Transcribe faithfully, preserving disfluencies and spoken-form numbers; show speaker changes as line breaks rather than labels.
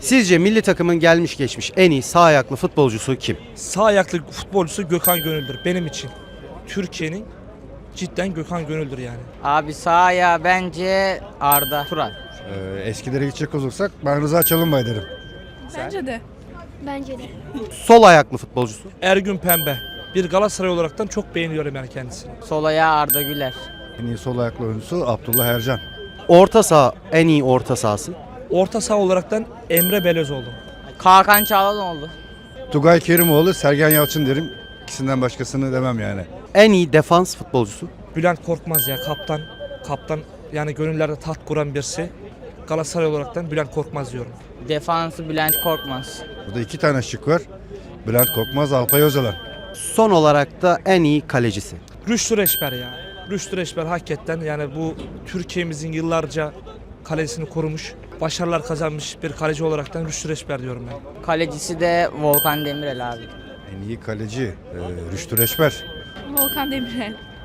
Sizce milli takımın gelmiş geçmiş en iyi sağ ayaklı futbolcusu kim?
Sağ ayaklı futbolcusu Gökhan Gönül'dür benim için. Türkiye'nin cidden Gökhan Gönül'dür yani.
Abi sağ ayağı bence Arda Turan.
Ee, eskilere gidecek olursak ben Rıza Çalınbay derim.
Bence de.
Bence de.
Sol ayaklı futbolcusu.
Ergün Pembe. Bir Galatasaray olaraktan çok beğeniyorum yani kendisini.
Sol ayağı Arda Güler.
En iyi sol ayaklı oyuncusu Abdullah Ercan.
Orta saha en iyi orta sahası.
Orta saha olaraktan Emre Belözoğlu.
Hakan Çalhanoğlu.
Tugay Kerimoğlu, Sergen Yalçın derim. İkisinden başkasını demem yani.
En iyi defans futbolcusu.
Bülent Korkmaz ya kaptan. Kaptan yani gönüllerde taht kuran birisi. Galatasaray olaraktan Bülent Korkmaz diyorum.
Defansı Bülent Korkmaz.
Burada iki tane şık var. Bülent Korkmaz, Alpay Özalan.
Son olarak da en iyi kalecisi.
Rüştü Reçber ya. Rüştü Reçber hakikaten yani bu Türkiye'mizin yıllarca kalesini korumuş, başarılar kazanmış bir kaleci olaraktan Rüştü Reçber diyorum ben.
Kalecisi de Volkan Demirel abi.
En iyi kaleci e, Rüştü Reçber.
Volkan Demirel.